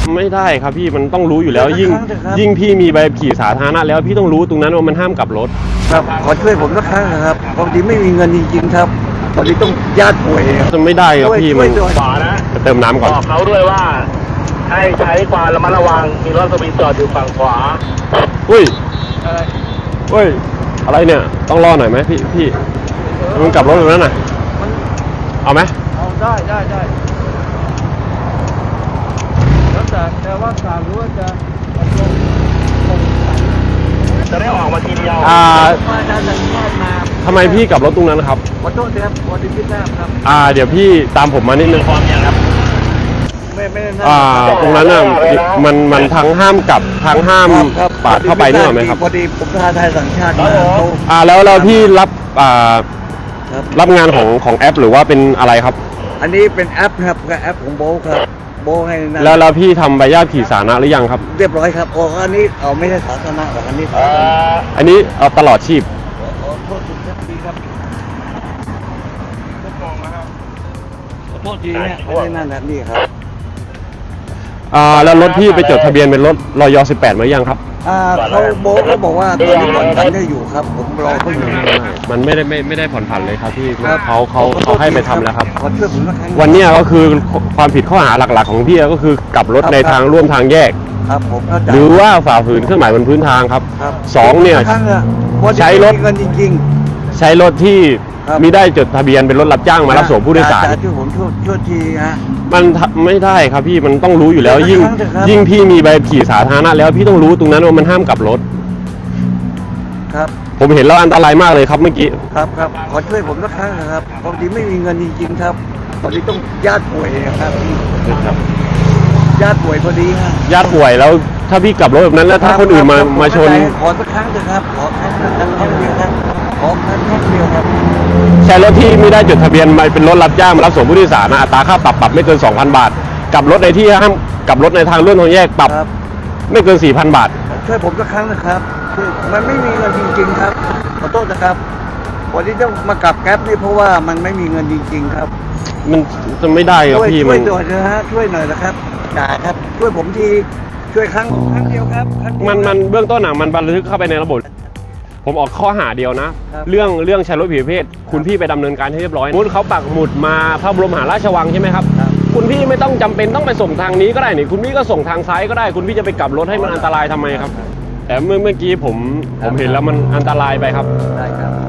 ไม่ได้ครับพี่มันต้องรู้อยู่แล้วยิ่งพี่มีใบขับขี่สาธารณะแล้วพี่ต้องรู้ตรงนั้นว่ามันห้ามกลับรถครับขอช่วยผมสักครั้งนะครับพอดีไม่มีเงินจริงๆครับพอดีต้องญาติป่วยจะไม่ได้ครับพี่มันขวานะจะเติมน้ำก่อนบอกเขาด้วยว่าให้ใช้ความระมัดระวังมีรถสวิงจอดอยู่ฝั่งขวาอุ้ยอะไรเนี่ยต้องรอหน่อยไหมพี่มันกลับรถตรงนั้นน่ะเอาไหมเอาได้แล้วแต่ว่าการรู้ว่าจะจะได้ออกมาทีเดียวทำไมพี่กลับรถตรงนั้นครับขอโทษครับพอดีพี่ทราบครับเดี๋ยวพี่ตามผมมานิดนึงความอย่างครับไม่ตรงนั้นน่ะมันทั้งห้ามกลับทั้งห้ามปาดเข้าไปนี่หรอไหมครับพอดีผมทาไทยสัญชาติแล้วพี่รับงานของแอปหรือว่าเป็นอะไรครับอันนี้เป็นแอปครับแอปของโบครับโบให้นั่นแล้วพี่ทำใบขับขี่สาธารณะหรือยังครับเรียบร้อยครับอันนี้ไม่ใช่สาธารณะหรอกอันนี้ตลอดชีพโทษทีครับโทษทีเนี่ยไม่ได้นั่นแบบนี้ครับแล้วรถพี่ไปจดทะเบียนเป็นรถรอย18มายังครับเขาบอกว่าตอนนี้ผ่อนผันได้อยู่ครับผมรอเขาอยู่มันไม่ได้ผ่อนผันเลยครับพี่เขาให้ไปทำแล้วครับขอช่วยผมสักครั้งวันนี้ก็คือความผิดข้อหาหลักๆของพี่ก็คือกลับรถในทางร่วมทางแยกครับผมหรือว่าฝ่าฝืนเครื่องหมายบนพื้นทางครับ2เนี่ยใช้รถจริงใช้รถที่มิได้จดทะเบียนเป็นรถรับจ้างมารับส่งผู้โดยสารช่วยผมช่วยทีฮะมันไม่ได้ครับพี่มันต้องรู้อยู่แล้วยิ่งพี่มีใบขับขี่สาธารณะแล้วพี่ต้องรู้ตรงนั้นว่ามันห้ามกลับรถครับผมเห็นแล้วอันตรายมากเลยครับเมื่อกี้ครับขอช่วยผมสักครั้งนะครับพอดีไม่มีเงินจริงๆครับพอดีต้องญาติป่วยครับญาติป่วยพอดีครับญาติป่วยแล้วถ้าพี่กลับรถแบบนั้นแล้วถ้าคนอื่นมาชนขอสักครั้งเถอะครับขอครั้งเดียวครับขอครั้งเดียวครับใช้รถที่ไม่ได้จดทะเบียนมาเป็นรถรับจ้างมารับส่งผู้โดยสารอัตราค่าปรับไม่เกิน 2,000 บาทกลับรถในที่ห้ามกลับรถในทางร่วมทางแยกปรับไม่เกิน 4,000 บาทช่วยผมสักครั้งนะครับคือมันไม่มีเงินจริงๆครับขอโทษนะครับวันนี้ต้องมากลับแก๊ปนี่เพราะว่ามันไม่มีเงินจริงๆครับมันจะไม่ได้ครับพี่ช่วยหน่อยนะฮะช่วยหน่อยนะครับจ่าครับช่วยผมทีช่วยครั้งเดียวครับมันเบื้องต้นมันบันทึกเข้าไปในระบบผมออกข้อหาเดียวนะเรื่องใช้รถผิดประเภทคุณพี่ไปดำเนินการให้เรียบร้อยมุดเขาปักหมุดมาพระบรมมหาราชวังใช่ไหมครับคุณพี่ไม่ต้องจำเป็นต้องไปส่งทางนี้ก็ได้นี่คุณพี่ก็ส่งทางซ้ายก็ได้คุณพี่จะไปกลับรถให้มันอันตรายทำไมครับแต่เมื่อกี้ผมเห็นแล้วมันอันตรายไปครับได้ครับ